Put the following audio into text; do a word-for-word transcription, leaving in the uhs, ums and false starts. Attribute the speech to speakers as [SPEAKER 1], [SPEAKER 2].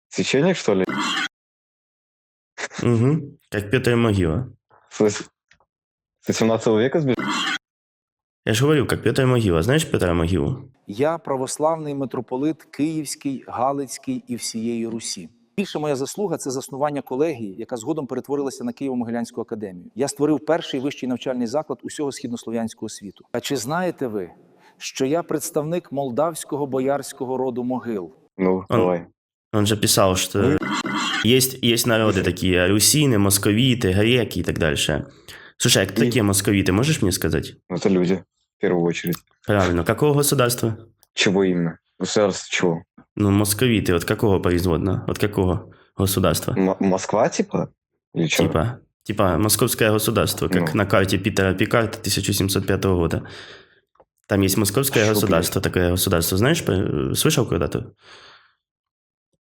[SPEAKER 1] Священник, что ли?
[SPEAKER 2] Угу. Как Петр Могила.
[SPEAKER 1] С вос- с восемнадцатого века сбежал?
[SPEAKER 2] Я же говорю, как Петр Могила. Знаешь Петра Могилу?
[SPEAKER 3] Я православний митрополит Київський, Галицький і всієї Русі. Більша моя заслуга – це заснування колегії, яка згодом перетворилася на Києво-Могилянську академію. Я створив перший вищий навчальний заклад усього східнослов'янського світу. А чи знаєте ви, що я представник молдавського боярського роду Могил?
[SPEAKER 1] Ну,
[SPEAKER 2] Он-
[SPEAKER 1] давай.
[SPEAKER 2] Он же писал, что есть, есть народы такие, русины, московиты, греки и так дальше. Слушай, а кто
[SPEAKER 1] И-
[SPEAKER 2] такие московиты, можешь мне сказать?
[SPEAKER 1] Ну, это люди, в первую очередь.
[SPEAKER 2] Правильно. Какого государства?
[SPEAKER 1] Чего именно? Государство чего?
[SPEAKER 2] Ну, московиты, вот какого производного? Вот какого государства?
[SPEAKER 1] М- Москва, типа? Или что?
[SPEAKER 2] Типа, типа московское государство, как
[SPEAKER 1] Ну.
[SPEAKER 2] на карте Питера Пикарта тысяча семьсот пятого года. Там есть московское
[SPEAKER 1] Шо,
[SPEAKER 2] государство, такое государство. Знаешь, по- слышал когда-то?